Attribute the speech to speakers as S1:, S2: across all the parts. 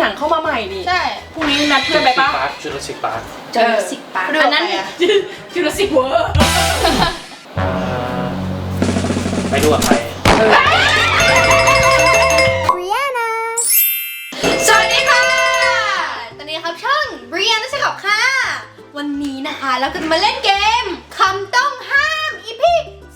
S1: หนังเข้ามาใหม่นี่
S2: ใช่
S1: พรุ่งนี้นัดเพื่อนไปปะ
S3: จูราสสิกพาร์ค
S2: จูราสสิกพาร์คอันนั้น
S1: จูราสสิกเวิร์
S3: ไปดูกับใคร
S2: สวัสดีค่ะตอนนี้ครับช่องบริยานัชกับค่ะวันนี้นะคะเราจะมาเล่นเกมคำต้องห้าม EP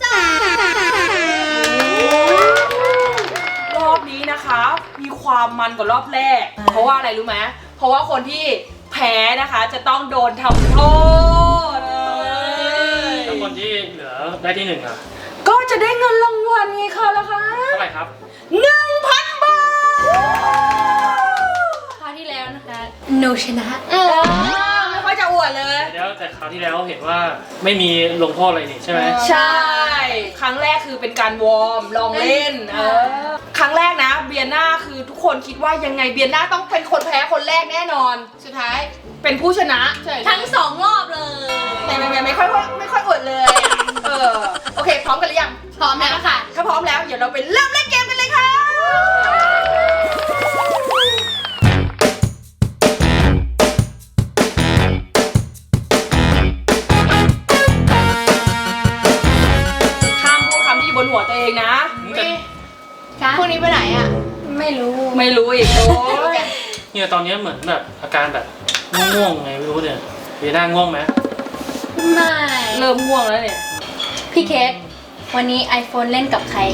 S2: 3
S1: รอบนี้นะคะมีความมันกว่ารอบแรกเพราะว่าอะไรรู้ไหมเพราะว่าคนที่แพ้นะคะจะต้องโดนทำโทษ
S3: แล้วคนที่เหลือได้ที่หนึ่งอ่ะ
S1: ก็จะได้เงินรางวัลไงคะล่ะคะ
S3: เท่าไหร่ครับ
S1: 1,000 บาท
S2: คราวที่แล้วนะคะหนูชนะ
S1: ไม่ค่อยจะอวดเลย
S3: เดี๋ยวแต่คราวที่แล้วเห็นว่าไม่มีลงโทษอะไรนี่ใช่ไหม
S1: ใช่ครั้งแรกคือเป็นการวอร์มลองเล่นครั้งแรกนะเบียน่าคือทุกคนคิดว่ายังไงเบียน่าต้องเป็นคนแพ้คนแรกแน่นอน
S2: สุดท้าย
S1: เป็นผู้ชนะ
S2: ทั้ง2 รอบเลย
S1: ไม่ค่อยอวดเลยโอเคพร้อมกันหรือยัง
S2: พร้อมแล้วค่ะ
S1: ถ้าพร้อมแล้วเดี๋ยวเราไปเริ่มเล่นเกมกันเลยค่ะห้ามพูดคำที่อยู่บนหัวตัวเองนะ
S2: พวกนี้ไปไหนอ่ะไม่รู้
S1: อีกโอ้ย
S3: เนี่ยตอนนี้เหมือนแบบอาการแบบง่วงๆไงไม่รู้เนี่ยเบียน่าง่วงไหม
S2: ไม่
S1: เริ่มง่วงแล้วเนี่ย
S2: พี่เคสวันนี้ iPhone เล่นกับใคร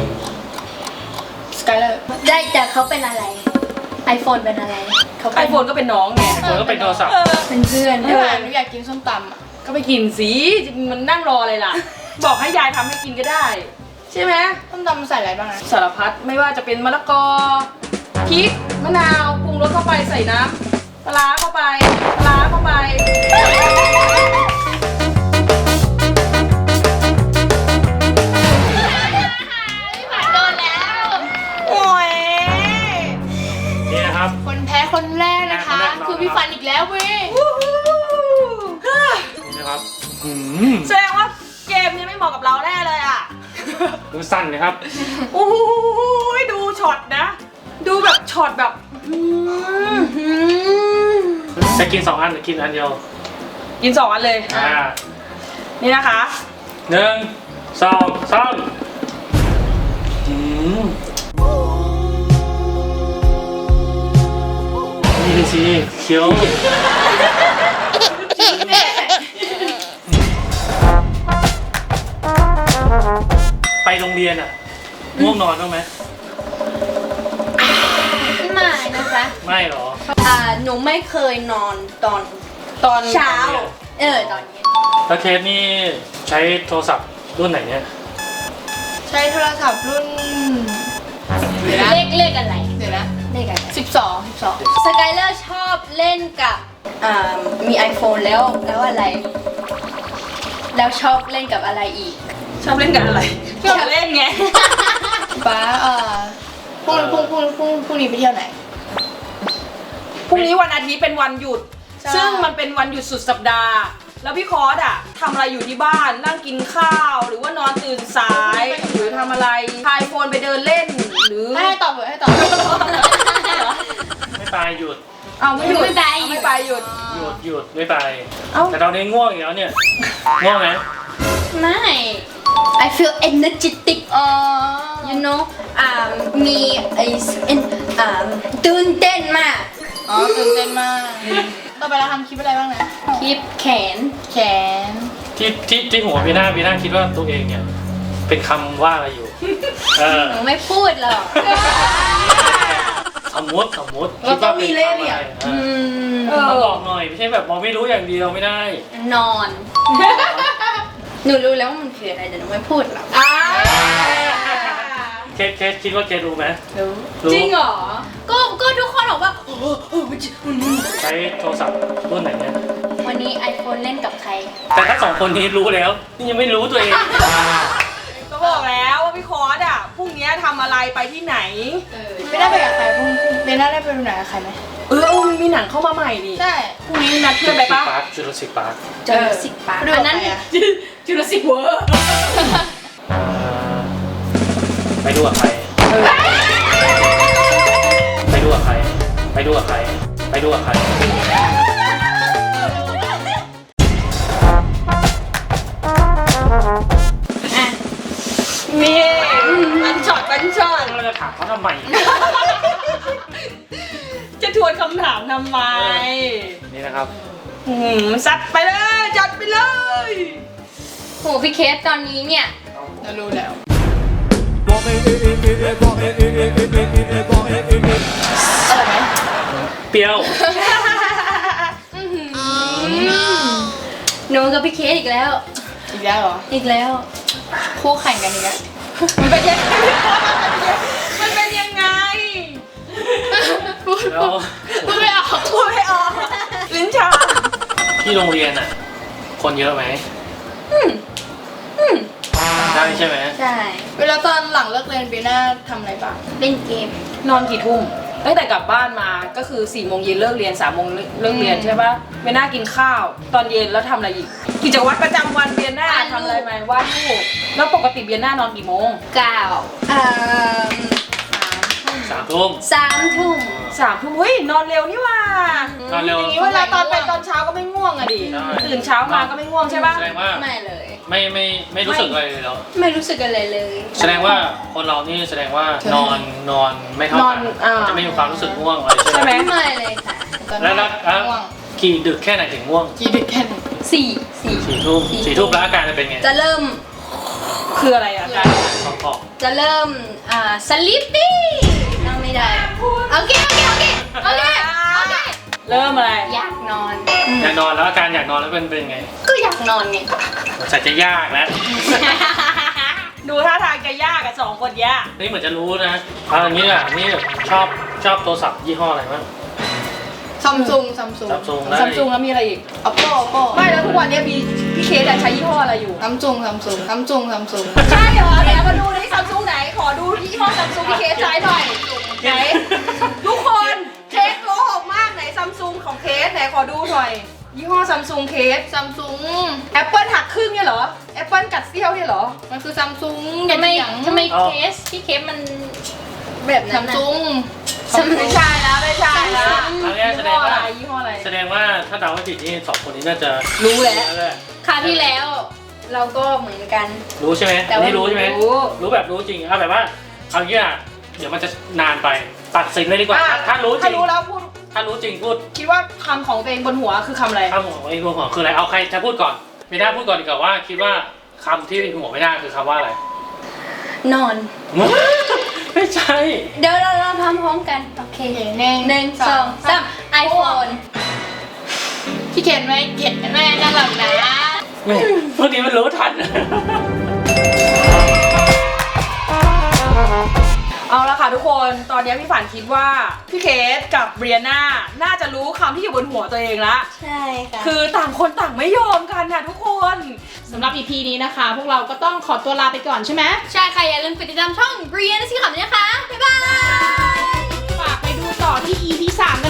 S2: Skyler ได้แต่เขาเป็นอะไร iPhone เป็นอะไร
S1: ไอโฟนก็เป็นน้องไง
S3: ไอโฟนก็เป็นโทรศัพท์
S2: เป็นเพื่อน
S1: หนูอยากกินส้มตำก็ไปกินสิมันนั่งรออะไรล่ะบอกให้ยายทำให้กินก็ได้ใช่ไหม
S2: ส้มตำใส่อะไรบ้างนะ
S1: สารพัดไม่ว่าจะเป็นมะละกอพริกมะนาวปรุงรสเข้าไปใส่น้ำปลาเข้าไปโด
S2: นแล้ว
S1: โอ้ย
S3: นี่นะครับ
S2: คนแพ้คนแรกนะคะคือพี่ฟันอีกแล้วเว้ย
S3: นี่นะครับ
S1: แสดงว่าเกมนี้ไม่เหมาะกับเราแน่เลยอ่ะ
S3: ดูสั้นนะครับ
S1: โอ้ยดูช็อตนะดูแบบช็อตแบบ
S3: จะกิน2 อันหรือกินอันเดียว
S1: กิน2 อันเลยนี่นะคะ
S3: 1 2 3นี่เลยสิเคี้ยวไปโรงเรียนอ่ะง่วงนอนบ้างไหม
S2: ไม่นะคะ
S3: ไม่หรอ
S2: หนูไม่เคยนอนตอนเช้าตอนนี้
S3: แล้วเคสนี่ใช้โทรศัพท์รุ่นไหนเนี่ย
S2: ใช้โทรศัพท์รุ่นเลขอะไรเดี๋ยวนะเลขอะไร12 Skyler ชอบเล่นกับมี iPhone แล้วอะไรแล้วชอบเล่นกับอะไรอีก
S1: ชอบเล่นกับอะไรชอบเล่นไง
S2: ป้าพรุ่งนี้ไปเที่ยวไหน
S1: พรุ่งนี้วันอาทิตย์เป็นวันหยุดซึ่งมันเป็นวันหยุดสุดสัปดาห์แล้วพี่คอร์สอะทำอะไรอยู่ที่บ้านนั่งกินข้าวหรือว่านอนตื่นสายหรือทำอะไรพายโฟนไปเดินเล่นหรือ
S2: ให้ตอบ
S3: ไม่ไปหยุด
S1: ไม่หยุดไม่ไปหยุด
S3: ไม่ไปแต่ตอนนี้ง่วงอีกแล้วเนี่ยง่วงไหม
S2: ไม่ I feel energetic you know มีตื่นเต้นมากตื่นเต้นมากต่อไปเราทำคลิปอะไรบ้างนะคลิปแขน
S3: ที่หัวบีน่าคิดว่าตัวเองเนี่ยเป็นคำว่าอะไรอยู่
S2: หนูไม่พูดหรอก
S3: สมมติคิดว่าเป็นคำอะไรบอกหน่อยไม่ใช่แบบมองไม่รู้อย่างเดียวไม่ได้
S2: นอนหนูรู้แล้วว่ามันคืออะไรแต่หนูไม่พูดหรอก
S3: เคสคิดว่าเคสรู้ไหม
S1: รู้จริงเหรอ
S2: ก็ทุกคนบอกว่า
S3: ใช้โทรศัพท์รุ่นไหนเนี่ย
S2: วันนี้ iPhone เล่นกับใคร
S3: แต่ถ้า2 คนนี้รู้แล้วนี่ยังไม่รู้ตัวเอง
S1: ก็บอกแล้วว่าพี่คอร์สอะพรุ่งนี้ทำอะไรไปที่ไหน
S2: ไม่ได้ไปกับใครไม่ได้ไปไหนกับใครไหม
S1: มีหนังเข้ามาใหม่ดิ
S2: ใช่
S1: พรุ่งนี้นัดเพื่อนไปปะ
S3: จูราสสิกพาร์ค
S2: อันนั้น
S1: จูราสสิกเวิร์
S3: ไปดูกับใครไปดูกับใครไปดูกับใคร
S2: อ่ะ
S1: นี่มันช็อต
S3: เราจะถามเขาทำไม
S1: จะทวนคำถามทำไม
S3: นี่นะครับ
S1: ซัดไปเลยจัดไปเลย
S2: โหพี่เคสตอนนี้เนี่ย
S1: เรารู้แล้ว อะไรไหม
S3: เปรี้ยว
S2: หนูกับพี่เคสอีกแล้ว
S1: อีกแล้วเหรอ
S2: อีกแล้วคู่แข่งกันอีกแล้ว
S1: มันเป็นยังไงมันเป็นยังไง
S3: แล้ว
S1: พูดไม่ออกลิ้นชา
S3: ที่โรงเรียนอ่ะ คนเยอะไหมได้ใช่ไหม
S2: ใช่
S1: เวลาตอนหลังเลิกเรียนปีหน้าทำอะไรบ้าง
S2: เล่นเกม
S1: นอนกี่ทุ่มตั้งแต่กลับบ้านมาก็คือ4 โมงเย็นเลิกเรียน3 โมงเลิกเรียนใช่ปะเบียน่ากินข้าว ตอนเย็นแล้วทำอะไรอีก กิจวัตรประจำวันเบียน่าว
S2: าดรูป
S1: ทำอะไรไหมวาดรูปแล้วปกติเบียน่านอนกี่โมง
S2: 9
S3: 3 ทุ่ม
S2: 3 ทุ่ม
S1: 3 ทุ่มเฮ้ยนอนเร็วนี่หว่าน
S3: อนเร็ว
S1: อย่างนี้เวลาตอนไปตอนเช้าก็ไม่ง่วงอะดิ
S3: ใช่
S1: ตื่นเช้ามาก็ไม่ง่วงใช่ปะ
S3: แสดงว่า
S2: ไม่เลย
S3: ไม่รู้สึกอะไรเลยเหรอ
S2: ไม่รู้สึกอะไรเลย
S3: แสดงว่าคนเรานี่แสดงว่านอนไม่เท่ากันจะไม่มีความรู้สึกง่วงอะไร
S1: ใช่ไหม
S2: ไม่เลยค่ะ
S3: แล้วกี่ดึกแค่ไหนถึงง่วง
S1: กี่ดึกแค่ไหน
S2: 4
S3: 4 ทุ่ม4 ทุ่มแล้วอาการจะเป็นไง
S2: จะเริ่ม
S1: คืออะไรอะการ
S3: ขอบ
S2: จะเริ่มสลิปปี้นั่งไม่ได้โอเค
S1: เริ่มอะไร
S2: อยากนอน
S3: อยากนอนแล้วอาการอยากนอนแล้วเป็นไง
S2: ก็อยากนอนไง
S3: ใส่จะยากแล้ว
S1: ดูท่าทางจะยากกับ2 คนยาก
S3: นี่เหมือนจะรู้นะเอาอย่างนี้อ่ะนี่ชอบโทรศัพท์ยี่ห้ออะไรบ้าง
S4: ซัมซุง
S3: ซัมซุงได้
S1: ซัมซุงแล้วมีอะไรอีก
S4: Oppo
S1: ไม่แล้วทุกวันนี้พี่เคสอะใช้ยี่ห้ออะไรอยู่
S4: ซัมซุง
S1: ใช่เหรอเดี๋ยวมาดูนี่ซัมซุงไหน ขอดูยี่ห้อซัมซุงพี่เคสใช้หน่อย ไหน ทุกคนเคสโกหกมากไหนซัมซุงของเคสไหนขอดูหน่อย ยี่ห้อซัมซุงเคส
S4: ซัมซุง
S1: แอปเปิลหักครึ่งเนี่ยเหรอแอปเปิลกัดเสี้ยวเนี่ยเหรอ
S4: มันคือซัมซุง
S2: ทำไม
S4: อย่าง
S2: เคสพี่เคสมันแบบนั้
S4: ซั
S2: น
S4: ม
S2: น่ะ
S4: ซุง
S1: ไม่ใช่แล้วไม่ใช่แล้ว
S3: อันนี้แสดงว่า
S1: ยี่ห้ออะไร
S3: แสดงว่าถ้าเดาไม่ผิดนี่สองคนนี้น่าจะ
S1: รู้แล้ว
S2: คราวที่แล้ว เราก็เหมือนกัน
S3: รู้ใช่ไหม
S2: แต่
S3: อัน
S2: ว่า
S3: นี้รู้ใช่ไหม รู้แบบรู้จริงเอาแบบว่าเอาอย่างนี้อ่ะเดี๋ยวมันจะนานไปตัดสินเลยดีกว่าถ้ารู้จ
S1: ถ้า
S3: ริง
S1: รู้แล้วพูด
S3: ถ้ารู้จริงพูด
S1: คิดว่าคำของตัวเองบนหัวคือคำอะไร
S3: ข้ามหัวไอ้รวมหัวคืออะไรเอาใครจะพูดก่อนไม่ได้พูดก่อนดีกว่าว่าคิดว่าคำที่หัวไม่ได้คือคำว่าอะไร
S2: นอน
S3: ไม่ใช่
S2: เดี๋ยวเราทำพร้อมกัน โอเค
S4: หนึ่ง
S2: 1 2 3 iPhone
S4: พี่เขียนไหมเขียนแม่น่ารักนะ
S3: ไม่พวกนี้มันรู้ทัน
S1: เอาละค่ะทุกคนตอนนี้พี่ฝันคิดว่าพี่เคสกับเบรียนาน่าจะรู้คำที่อยู่บนหัวตัวเองละ
S2: ใช่ค่ะ
S1: คือต่างคนต่างไม่ยอมกันนะทุกคน
S4: สำหรับ EP นี้นะคะ พวกเราก็ต้องขอตัวลาไปก่อนใช่ไหม
S2: ใช่ค่ะ อย่าลืมกดติดตามช่อง Brian นะสิค่ะนะคะ บ๊ายบาย
S4: ฝากไปดูต่อที่ EP 3